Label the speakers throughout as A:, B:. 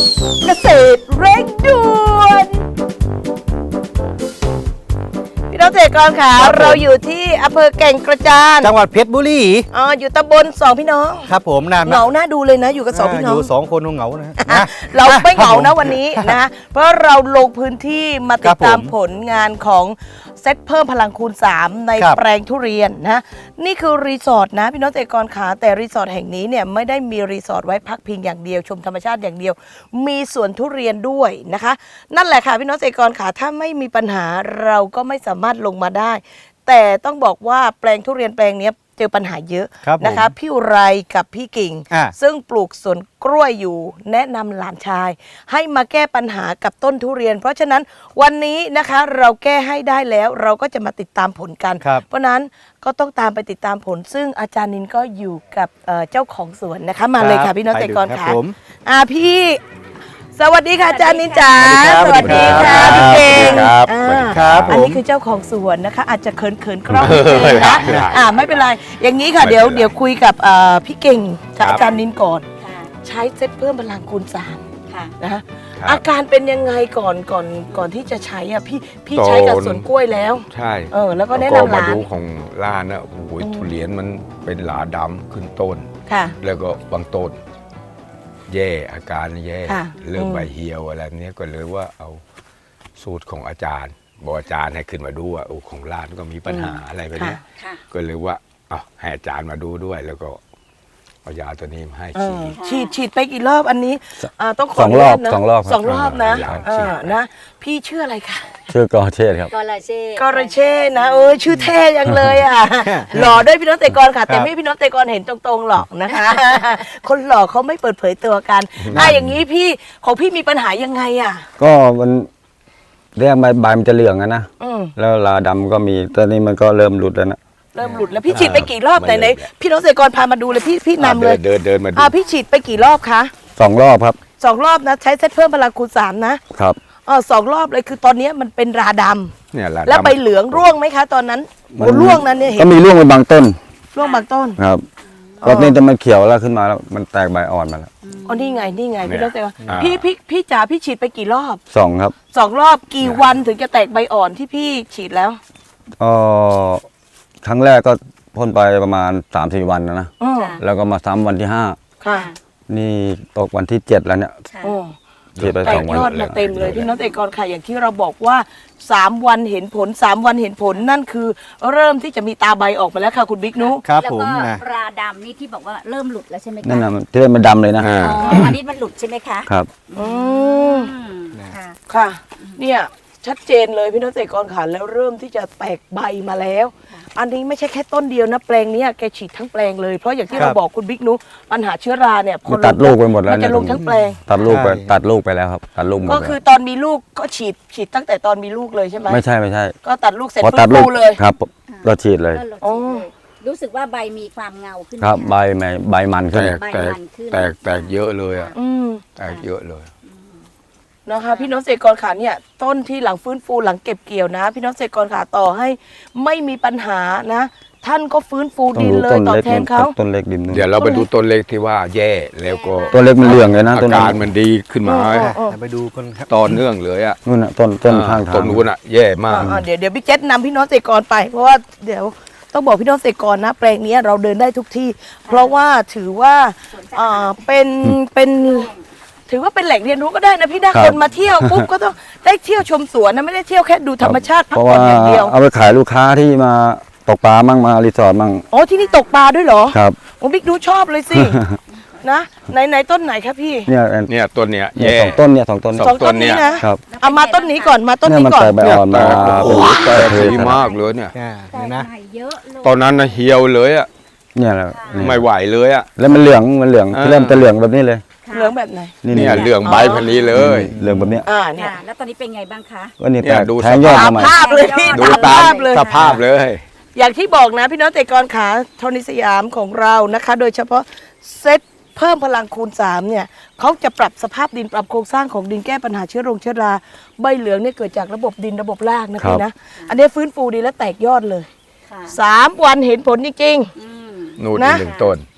A: เกษตรเร่งด่วนพี่น้องเกษตรกรค่ะเราอยู่ที่อำเภอแก่งกระจาน
B: จังหวัดเพชรบุรี
A: อยู่ตำบลสองพี่น้อง
B: ครับผม
A: เหงาหน้าดูเลยนะอยู่กับสองพี่น้อง
B: อยู่2 คนเหงานะ
A: เราไม่เหงานะวันนี้นะเพราะเราลงพื้นที่มาติดตามผลงานของเซตเพิ่มพลังคูณ3ในแปลงทุเรียนนะนี่คือรีสอร์ทนะพี่น้องเกษตรกรขาแต่รีสอร์ทแห่งนี้เนี่ยไม่ได้มีรีสอร์ทไว้พักพิงอย่างเดียวชมธรรมชาติอย่างเดียวมีสวนทุเรียนด้วยนะคะนั่นแหละค่ะพี่น้องเกษตรกรขาถ้าไม่มีปัญหาเราก็ไม่สามารถลงมาได้แต่ต้องบอกว่าแปลงทุเรียนแปลงนี้เจอปัญหาเยอะนะคะพี่อุไรกับพี่กิ่งซึ่งปลูกสวนกล้วยอยู่แนะนำหลานชายให้มาแก้ปัญหากับต้นทุเรียนเพราะฉะนั้นวันนี้นะคะเราแก้ให้ได้แล้วเราก็จะมาติดตามผลกันเพราะนั้นก็ต้องตามไปติดตามผลซึ่งอาจารย์นินก็อยู่กับเจ้าของสวนนะคะมาเลยค่ะพี่น้องเกษตรกรค่ะพี่สวัสดีค่ะอาจารย์นินจ๋าสวัสดีค่ะพี่เก่ง
B: ครับ
A: อันนี้คือเจ้าของสวนนะคะอาจจะเขินกล้องนิดนึงนะไม่เป็นไรอย่างนี้ค่ะเดี๋ยวคุยกับพี่เก่งกับอาจารย์นินก่อนใช้เซตเพิ่มพลังคูณ3นะคะอาการเป็นยังไงก่อนที่จะใช้พี่ใช้กับสวนกล้วยแล้ว
C: ใช่
A: แล้วก็แนะนำหลาน
C: มาดูของร้านนะโอ้ยทุเรียนมันเป็นหลาดำขึ้นต้นแล้วก็บางต้นแย่อาการแย่เริ่มใบเหี่ยวอะไรนี้ก็เลยว่าเอาสูตรของอาจารย์บอกอาจารย์ให้ขึ้นมาดูว่าของร้านก็มีปัญหาอะไรแบบนี้ก็เลยว่าให้อาจารย์มาดูด้วยแล้วก็เอายาตัวนี้มาให้
A: ฉีดไปกี่รอบอันนี้ต้องขอ
B: 2 รอบ2 รอบ
A: 2 รอบนะพี่ชื่ออะไรคะ
B: ชื่อกอเชษครับ
A: กอรเชษนะชื่อเท่ยังเลยหล่อด้วยพี่น้องเกษตรกรค่ะแต่ไม่พี่น้องเกษตรกรเห็นตรงๆหรอกนะคะคนหล่อเขาไม่เปิดเผยตัวกันอย่างนี้พี่ของพี่มีปัญหายังไง
B: ก็มันเรียกใบมันจะเหลืองนะแล้วลาดำก็มีตอนนี้มันก็เริ่มหลุดแล้วนะ
A: เริ่มหลุดแล้วพี่ฉีดไปกี่รอบไหนพี่น้องเกษตรกรพามาดูเลยพี่นำเลย
C: เดินมาดู
A: พี่ฉีดไปกี่รอบคะ
B: 2 รอบครับ
A: 2 รอบนะใช้เซตเพิ่มพลังคูณ3นะครับ2 รอบเลยคือตอนนี้มันเป็นราดำ
C: เนี่ย
A: แล้วใบเหลืองร่วงไหมคะตอนนั้นร่วงนั้นเนี่ย
B: ก็มีร่วงไปบางต้น
A: ร่วงบางต้น
B: ครับรอบนี้จะมันเขียวแล้วขึ้นมาแล้วมันแตกใบอ่อนมาแล้ว
A: นี่ไงพี่น้องเกษตรกรพี่จ๋าพี่ฉีดไปกี่รอบ
B: 2ครับ
A: 2 รอบกี่วันถึงจะแตกใบอ่อนที่พี่ฉีดแล้ว
B: ครั้งแรกก็พ่นไปประมาณ 3-4 วันนะแล้วก็มาซ้ำวันที่5
A: ค่ะ
B: นี่ตกวันที่7แล้วเนี่ยฉีดไป2 วัน
A: ยอดมาเต็มเลยพี่น้องเกษตรกรค่ะอย่างที่เราบอกว่า3 วันเห็นผล3 วันเห็นผลนั่นคือเริ่มที่จะมีตาใบออกมาแล้วค่ะคุณบิ๊กนุ
B: ครับผม
D: ปลาดำนี่ที่บอกว่าเริ่มหลุดแล้วใช่ไหมคะ
B: นั่นน่ะที่มันดำเลยนะ
D: อันนี้มันหลุดใช่ไหมคะ
B: ครับ
A: ค่ะเนี่ยชัดเจนเลยพี่น้องเกษตรกรค่ะแล้วเริ่มที่จะแตกใบมาแล้วอันนี้ไม่ใช่แค่ต้นเดียวนะแปลงนี้แกฉีดทั้งแปลงเลยเพราะอย่างที่เราบอกคุณบิ๊กนุปัญหาเชื้อราเนี่ย
B: พอตัดลูกไปหมดแล้ว
A: มันจะลงทั้งแปลง
B: ตัดลูกไปแล้วครับตัดลูก
A: ก็คือตอนมีลูกก็ฉีดตั้งแต่ตอนมีลูกเลยใช่ไหม
B: ไม่ใช่
A: ก็ตัดลูกเสร็จฟื้นฟูเลย
B: ครับเราฉีดเลย
D: รู้สึกว่าใบมีความเงาขึ้น
B: ครับใบมันขึ้น
C: แตกเยอะเลยแตกเยอะเลย
A: นะคะพี่น้องเกษตรกรขาเนี่ยต้นที่หลังฟื้นฟูหลังเก็บเกี่ยวนะพี่น้องเกษตรกรขาต่อให้ไม่มีปัญหานะท่านก็ฟื้นฟูดินเลยตอบแทนเขา
B: ต้นเล็กดิน
C: เดี๋ยวเราไปดูต้นเล็กที่ว่าแย่แล้วก็
B: ต้นเล็กมันเหลืองเลยนะ
C: อาการมันดีขึ้นมา
B: ไปดูกันครับ
C: ต่อเนื่องเลย
B: นู่นน่ะต้นข้างทาง
C: ต้นนู้นแย่มาก
A: เดี๋ยวพี่เจษนำพี่น้องเกษตรกรไปเพราะว่าเดี๋ยวต้องบอกพี่น้องเกษตรกรนะแปลงนี้เราเดินได้ทุกที่เพราะว่าถือว่าเป็นถือว่าเป็นแหล่งเรียนรู้ก็ได้นะพี่นะคนมาเที่ยวปุ๊บก็ต้องได้เที่ยวชมสวนนะไม่ได้เที่ยวแค่ดูธรรมชาติพักผ่อนอย่างเดียว
B: เอาไปขายลูกค้าที่มาตกปลามั่งมารีสอร์ทมั่ง
A: ที่นี่ตกปลาด้วยเหรอ
B: ครับ
A: บิ๊กดูชอบเลยสินะไหนต้นไหนครับพี่
C: เนี่ยต้นเนี้ย
B: 2 ต้นเนี่ย2 ต้น
A: นี้นะครับเอามาต้นนี้ก่อนมาต้นนี้ก่อน
B: ใบอ่อนมา
C: แต่ดีมากเลยเนี่ย
D: นะ
C: ตอนนั้นเหี่ยวเลย
B: เนี่ยแหละ
C: ไม่ไหวเลย
B: แล้วมันเหลืองที่เริ่มจะเหลืองแบบนี้เลย
A: เหลืองแบบไหน
C: เนี่ยเหลืองใบพันนี้เลย
B: เหลืองแบบนี้
A: เนี่ย
D: แล้วตอนนี้เป็นไงบ้างคะ
B: ก็เนี่ย
C: ดู
B: แทงยอด
A: ตามภาพเลยพี่
C: ดูตามสภาพเลย
A: อย่างที่บอกนะพี่น้องเกษตรกรขาโทนิสยามของเรานะคะโดยเฉพาะเซตเพิ่มพลังคูณ3เนี่ยเขาจะปรับสภาพดินปรับโครงสร้างของดินแก้ปัญหาเชื้อราใบเหลืองเนี่ยเกิดจากระบบดินระบบรากนะพี่นะอันนี้ฟื้นฟูดีและแตกยอดเลย3 วันเห็นผลจริง
C: ๆนู่น1 ต้น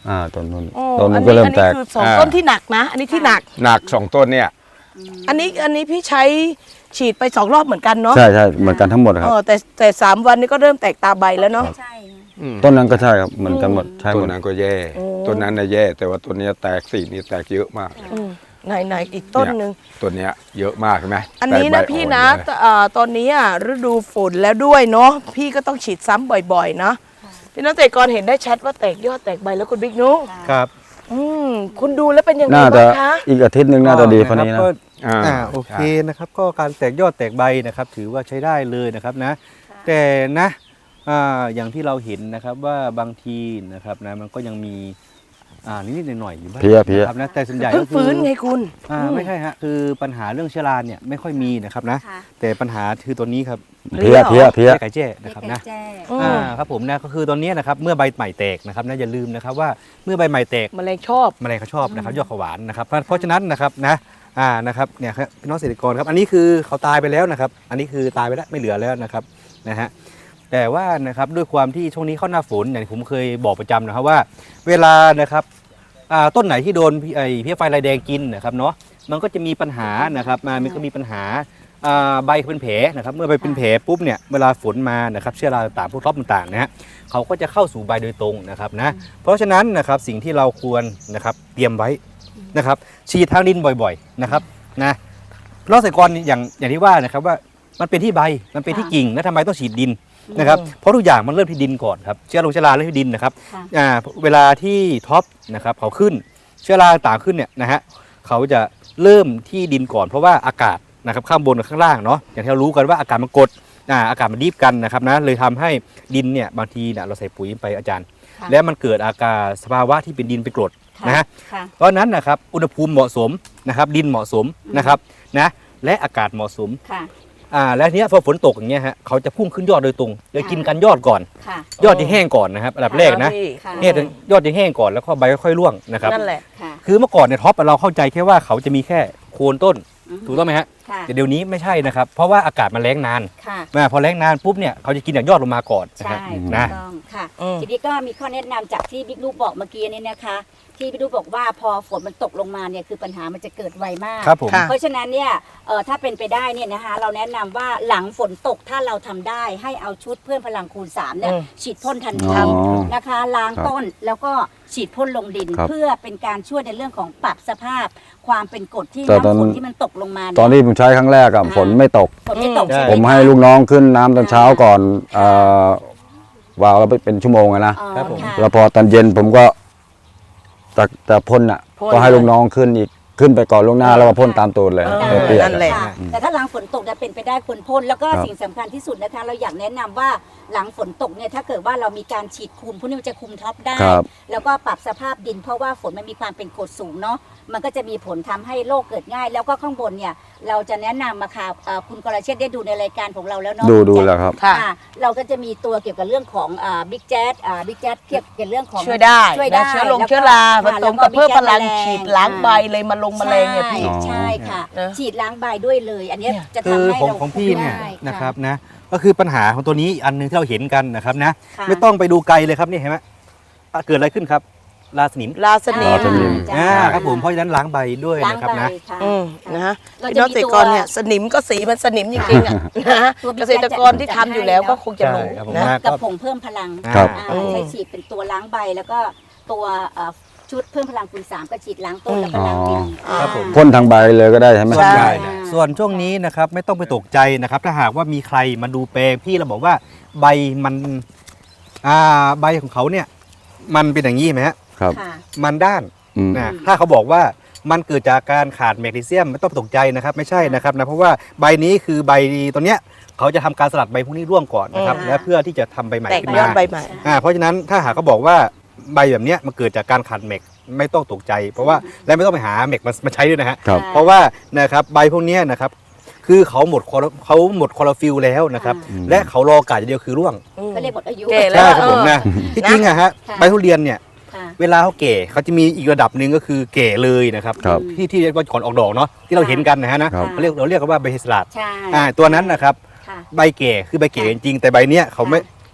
B: ต้นนู้น
A: โอ้
B: ต้น
A: อั
B: มัน นก็เริ่มแตก
A: คือสองต้นที่หนักนะ อันนี้ที่หนัก
C: หนัก2 ต้นเนี่ย
A: อันนี้พี่ใช้ฉีดไป2 รอบเหมือนกันเนาะ
B: ใช่เหมือนกันทั้งหมดครับ
A: แต่3 วันนี้ก็เริ่มแตกตาใบแล้วเนาะ
D: ใช่
B: ต้นนั้นก็ใช่ครับเหมือนกันหมดใช่ห
C: ต้
B: ม
C: น
B: ด
C: นั้นก็แย่ต้นนั้นน่ะแย่แต่ว่าต้นนี้แตกสีนี่แตกเยอะมาก
A: ไหนอีกต้นหนึ่ง
C: ต้นเนี้ยเยอะมากใช่ไหม
A: อันนี้
C: แต
A: นะ
C: กใบ
A: พี่
C: อ่อ
A: นะ
C: เลย
A: ตอนนี้ฤดูฝนแล้วด้วยเนาะพี่ก็ต้องฉีดซ้ำบ่อยๆนะพี่น้องเกษตรกรเห็นได้ชัดว่าแตกยอดแตกใบแล้วคุณบิ๊กนุ๊ก
E: ครับ
A: คุณดูแล้วเป็นยังไง
B: น่าจะ
A: บ้างคะ
B: อีกอาทิตย์หนึ่งน่าจะดีกว่านี้นะ
E: ก็
C: อ่า
E: โอเคนะครับก็การแตกยอดแตกใบนะครับถือว่าใช้ได้เลยนะครับนะแต่นะอย่างที่เราเห็นนะครับว่าบางทีนะครับนะมันก็ยังมีนิดๆหน่อยๆอยู่บ้าง
B: เพี้ย
E: นะครับนะแต่ส่วนใหญ่
A: เพิ่
E: ก็
A: ง
E: คือ
A: ฟื้นไงคุณ
E: ไม่ใช่ฮะคือปัญหาเรื่องเชื้อราเนี่ยไม่ค่อยมีนะครับนะ
D: ค่ะ
E: แต่ปัญหาคือตัวนี้ครับ
B: เพี้ย
E: ไก่แจ้นะครับนะ
D: แจ้
E: ครับผมนะก็คือตอนนี้นะครับเมื่อใบใหม่แตกนะครับนะอย่าลืมนะครับว่าเมื่อใบใหม่แตก
A: แมลงชอบ
E: แมลงเขาชอบนะครับยอดขวานนะครับเพราะฉะนั้นนะครับนะนะครับเนี่ยครับพี่น้องเกษตรกรครับอันนี้คือเขาตายไปแล้วนะครับอันนี้คือตายไปแล้วไม่เหลือแล้วนะครับนะฮะแต่ว่านะครับด้วยความที่ช่วงนี้เข้าหน้าฝนอย่างที่ผมเคยบอกประจำนะครับว่า เวลานะครับต้นไหนที่โดนเพี้ยไฟลายแดงกินนะครับเนาะมันก็จะมีปัญหานะครับมันก็มีปัญหาใบเป็นแผลนะครับเมื่อใบเป็นแผลปุ๊บเนี่ยเวลาฝนมานะครับเชื้อราต่างๆพวกท็อปต่างๆนะฮะเขาก็จะเข้าสู่ใบโดยตรงนะครับนะเพราะฉะนั้นนะครับสิ่งที่เราควรนะครับเตรียมไว้นะครับฉีดทางดินบ่อยๆนะครับนะเกษตรกรอย่างที่ว่านะครับว่ามันเป็นที่ใบมันเป็นที่กิ่งแล้วทำไมต้องฉีดดินนะครับเพราะทุกอย่างมันเริ่มที่ดินก่อนครับเชื้อราเริ่มที่ดินนะครับเวลาที่ท็อปนะครับเขาขึ้นเชื้อราต่างขึ้นเนี่ยนะฮะเขาจะเริ่มที่ดินก่อนเพราะว่าอากาศนะครับข้างบนกับข้างล่างเนาะอย่างที่เรารู้กันว่าอากาศมันกดอากาศมันดีบกันนะครับนะเลยทำให้ดินเนี่ยบางทีเนี่ยเราใส่ปุ๋ยไปอาจารย์ แล้วมันเกิดอาการสภาวะที่เป็นดินเป็นกรดนะฮะเพราะฉะนั้นนะครับอุณหภูมิเหมาะสมนะครับดินเหมาะสมนะครับนะและอากาศเหมาะสมและทีนี้พอฝนตกอย่างเงี้ยฮะเขาจะพุ่งขึ้นยอดโดยตรงเลยกินกันยอดก่อนยอดจะแห้งก่อนนะครับอันดับแรกนะเนี่ยยอดจะแห้งก่อนแล้วก็ใบค่อยๆร่วงนะครับ
A: นั่นแหละ
E: คือเมื่อก่อนเนี่ยท็อปเราเข้าใจแค่ว่าเขาจะมีแค่โคนต้นถูกต้องไหมฮะแต่เดี๋ยวนี้ไม่ใช่นะครับเพราะว่าอากาศมันแรงนานพอแรงนานปุ๊บเนี่ยเขาจะกินจากยอดลงมาก่อนนะ
D: ใช่
E: ฮะ
D: ถูก
E: นะ
D: ต้องค่ะทีนี้ก็มีข้อแนะนำจากที่บิ๊กลูกบอกเมื่อกี้นี้นะคะที่บิ๊กลูกบอกว่าพอฝนมันตกลงมาเนี่ยคือปัญหามันจะเกิดไวมาก
E: ครับผม
D: เพราะฉะนั้นเนี่ยถ้าเป็นไปได้เนี่ยนะคะเราแนะนำว่าหลังฝนตกถ้าเราทำได้ให้เอาชุดเพื่อนพลังคูณ3เนี่ยฉีดพ่นทันทีนะคะล้างต้นแล้วก็ฉีดพ่นลงดิน เพื่อเป็นการช่วยในเรื่องของปรับสภาพความเป็นกรดที่น้ำฝนที่มันตกลงมา
B: ตอนที่ผมใช้ครั้งแรกอะฝนไม่ตก
D: ฝนไม่ตกใช่ไห
B: ผม
D: คะ
B: ให้ลูกน้องขึ้นน้ำตอนเช้าก่อนวางแล้วเป็นชั่วโมงอะนะ
E: ครับผม
D: ค่ะ
B: แล้วพอตอนเย็นผมก็จะพ่นอ่ะ
A: พ่น
B: ก็ให้ลูกน้องขึ้นไปก่อนล่วงหน้าแล้วก็พ่นตามตัวเลย
A: เออ
B: ให้เปียก
A: นั่นแหละ
D: ค่ะแต่ถ้าหลังฝนตกจะเป็นไปได้ควรพ่นแล้วก็
B: ครับ
D: สิ่งสำคัญที่สุดนะคะเราอยากแนะนำว่าหลังฝนตกเนี่ยถ้าเกิดว่าเรามีการฉีดคุมพวกนี้มันจะคุมท็อปได้
B: ครับ
D: แล้วก็ปรับสภาพดินเพราะว่าฝนมันมีความเป็นกรดสูงเนาะมันก็จะมีผลทำให้โรคเกิดง่าย แล้วก็ข้างบนเนี่ยเราจะแนะนำมาค่ะคุณกรเชษฐ์ได้ดูในรายการของเราแล้วเนาะ
B: ดูแล้วครับ
A: ค่ะ
D: เราก็จะมีตัวเกี่ยวกับเรื่องของบิ๊กแจ๊ดบิ๊กแจ๊ดเกี่ยวกับเรื่องของ
A: ช่วยได้
D: ช่วยได้
A: นะเชื้อ
D: แล้วก็
A: เชื้อราผ
D: ค่ะ
A: ส
D: แล้ว
A: ม
D: ก็
A: กับเพิ่มพลัง
D: แมลง
A: ฉีดล้างใบเลยมาลงแมลงเนี่ยพี่
D: ใช่ค่ะ
A: นะ
D: ฉีดล้างใบด้วยเลย อันเนี้ยจะ
E: คือ
D: ทำให้
E: ของ
D: เรา
E: ของพี่เนี่ย
D: ได้
E: นะครับนะก็คือปัญหาของตัวนี้อันหนึงที่เราเห็นกันนะครับนะ
D: ค่ะ
E: ไม่ต้องไปดูไกลเลยครับนี่เห็นไหมเกิดอะไรขึ้นครับราสนิม
A: ลาสนิม
B: ลาสนิม
D: จ้า
E: ครับผมเพราะฉะนั้นล้างใบด้วย
D: ล้าง
E: นะครับ
D: ใบ
E: นะ
D: ค่ะ
A: นะฮะ
D: เรา
A: พี่
D: จะ
A: น้อง
D: มี
A: เกษตรกรเนี่ยสนิมก็สีมันสนิมจริงๆอ่ะนะฮะ
D: ตัวบิ๊
A: เก
D: ก
A: ษตรกรที่ทำอยู่แล้วก็คงจะรู้
E: ใช่ครับผม
A: นะ
E: ว่า
D: กับผงเพิ่มพลัง
B: ครับ
D: ใช้ฉีดเป็นตัวล้างใบแล้วก็ตัวชุดเพิ่มพลังคูณ3ก็ฉีดล้างต้นแล้วก็ล้างดิน
E: ครับผม
B: พ่นทางใบเลยก็ได้ใช่ไหม
A: ใช่
E: ส่วนช่วงนี้นะครับไม่ต้องไปตกใจนะครับถ้าหากว่ามีใครมาดูแปลงพี่เราบอกว่าใบมันใบของเขาเนี่ยมันเป็นอย่างนี้ไหมฮะ
B: ครับ
D: ค่ะ
E: มันด้าน
B: อืม
E: นะถ้าเขาบอกว่ามันเกิดจากการขาดแมกนีเซียมไม่ต้องตกใจนะครับไม่ใช่นะครับนะเพราะว่าใบนี้คือใบตัวเนี้ยเขาจะทำการสลัดใบพวกนี้ร่วงก่อนนะครับและเพื่อที่จะทำใบใหม่
A: แตก
E: ขึ้น
A: ยอด
E: มา
A: ใบใหม่
E: เพราะฉะนั้นถ้าหากเขาบอกว่าใบแบบเนี้ยมันเกิดจากการขาดแมกไม่ต้องตกใจ เพราะว่าและไม่ต้องไปหาแมกมาใช้ด้วยนะฮะ
B: ครับ
E: เพราะว่านะครับใบพวกเนี้ยนะครับคือเขาหมดคลอโรฟิลแล้วนะครับและเขารอโอกาสอย่างเดียวคือร่วง
D: ก็เรียกหมดอายุ
A: แก่แล้
E: ใช่
A: ว
E: ครับผมนะที่จริงอะฮะ
D: ค่ะ
E: ใบทุเรียนเนี่ย
D: ค่ะ
E: เวลาเขาเก๋เขาจะมีอีกระดับหนึ่งก็คือเก๋เลยนะครับ
B: ครับ
E: ที่เรียกว่าก่อนออกดอกเนาะที่เราเห็นกันนะฮะนะครับ เราเรียกกันว่าใบเฮสลัด
D: ใช่
E: ตัวนั้นนะครับ
D: ค่ะ
E: ใบเก๋คือใบเก๋จริงๆแต่ใบเนี้ยเขาไม่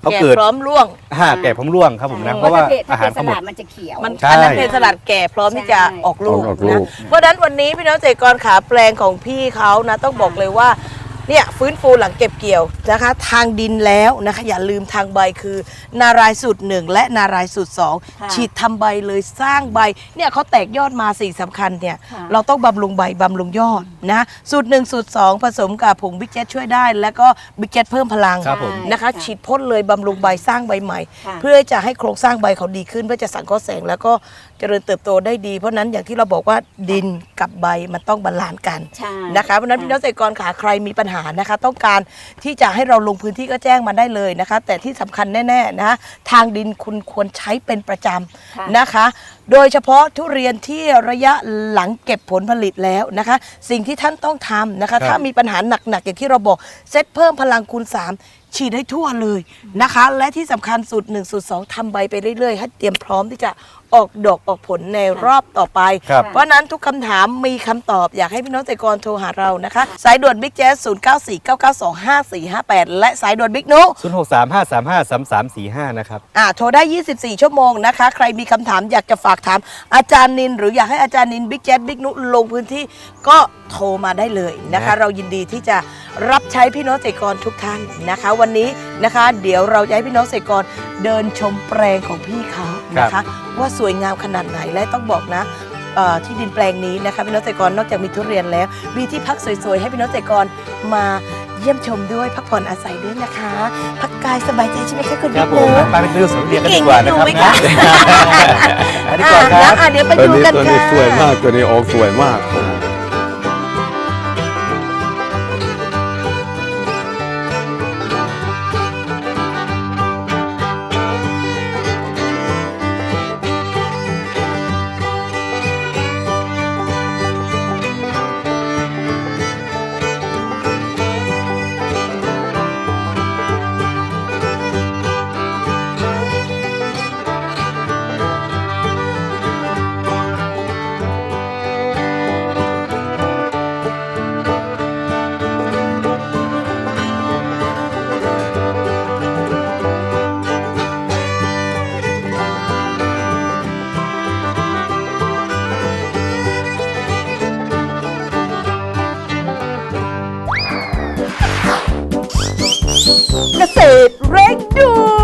E: เขา
A: แก่
E: เกิด
A: พร้อมร่วง
E: แก่พร้อมร่วงครับผมนะ
D: เพ
E: เพ
D: ราะ
E: ราะว่า
D: ถ้า
E: อาหาร
D: เป็นส
E: เขาหม
D: ลั
E: ด
D: ดมันจะเขียว
A: มัน
E: ใช่
A: อันนั้นเป็นสลัดแก่พร้อมที่จะออกลูก
B: ออกลู
A: นะ
B: ก
A: เพราะฉะนั้นวันนี้พี่น้องเกษตรกรขาแปลงของพี่เขานะต้องบอกเลยว่าเนี่ยฟื้นฟูหลังเก็บเกี่ยวนะคะ ทางดินแล้วนะคะอย่าลืมทางใบคือนารายสูตร1และนารายสูตร
D: ค่ะ
A: 2ฉีดทำใบเลยสร้างใบเนี่ยเขาแตกยอดมาสิ่งสำคัญเนี่ย
D: ค่ะ
A: เราต้องบำรุงใบบำรุงยอดนะสูตร1สูตร2ผสมกับผงบิ๊กเจ็ตช่วยได้ แล้วก็บิ๊กเจ็ตเพิ่มพลัง
E: ครับผม
A: นะคะฉีดพ่นเลยบำรุงใบสร้างใบใหม่
D: ค่ะ
A: เพื่อจะให้โครงสร้างใบเขาดีขึ้นเพื่อจะสังเคราะห์แสงแล้วก็เจริญเติบโตได้ดี เพราะฉะนั้นอย่างที่เราบอกว่าดินกับใบมันต้องบาลานซ์กัน
D: ใช่
A: นะคะเพราะฉะนั้นพี่น้องเกษตรกรขาใครมีปัญหานะคะ ต้องการที่จะให้เราลงพื้นที่ก็แจ้งมาได้เลยนะคะ แต่ที่สำคัญแน่ๆนะทางดินคุณควรใช้เป็นประจ
D: ค่ะ
A: ำนะคะ โดยเฉพาะทุเรียนที่ระยะหลังเก็บผลผลิตแล้วนะคะ สิ่งที่ท่านต้องทำนะคะ
E: ครับ
A: ถ้ามีปัญหาหนักๆอย่างที่เราบอกเซตเพิ่มพลังคูณ 3 ฉีดให้ทั่วเลยนะคะ และที่สำคัญสูตร1สูตร2ทำใบไปเรื่อยๆให้เตรียมพร้อมที่จะออกดอกออกผลในรอบต่อไป
E: ครับ
A: เพราะฉะนั้นทุกคำถามมีคำตอบอยากให้พี่น้องเกษตรกรโทรหาเรานะคะ สายด่วนบิ๊กแจ๊ส0949925458 และสายด่วนบิ๊กนุ
E: 0635353345นะครับ
A: โทรได้ 24 ชั่วโมงนะคะ ใครมีคำถามอยากจะฝากถามอาจารย์นิน หรืออยากให้อาจารย์นินบิ๊กแจ๊สบิ๊กนุลงพื้นที่ก็โทรมาได้เลยนะคะ
E: นะ
A: เรายินดีที่จะรับใช้พี่น้องเกษตรกรทุกท่านนะคะ วันนี้นะคะเดี๋ยวเราจะให้พี่น้องเกษตรกรเดินชมแปลงของพี่เขานะคะ ว่าสวยงามขนาดไหนและต้องบอกนะที่ดินแปลงนี้นะคะพี่น้องเกษตรกรนอกจากมีทุเรียนแล้ว มีที่พักสวยๆให้พี่น้องเกษตรกรมาเยี่ยมชมด้วยพักผ่อนอาศัยด้วยนะคะ พักกายสบายใจใช่ไหมคะคุณ
E: ครั
A: บิ๊
E: บ
A: ก
E: ผ
A: เน
E: ม
A: อะ
E: ไปดูสวนทุเรียนกันดีกว่านะครับ
A: เก่งไหม
E: นะ
A: คะ
E: ไปดีกว่าครับ
A: เดี๋ยวไป
C: ตัว
A: ดู
C: นี้
A: กัน
C: ตัว
A: ค่ะ
C: นี้สวยมากตัวนี้ออกสวยมาก
A: เกษตรเร่งด่ว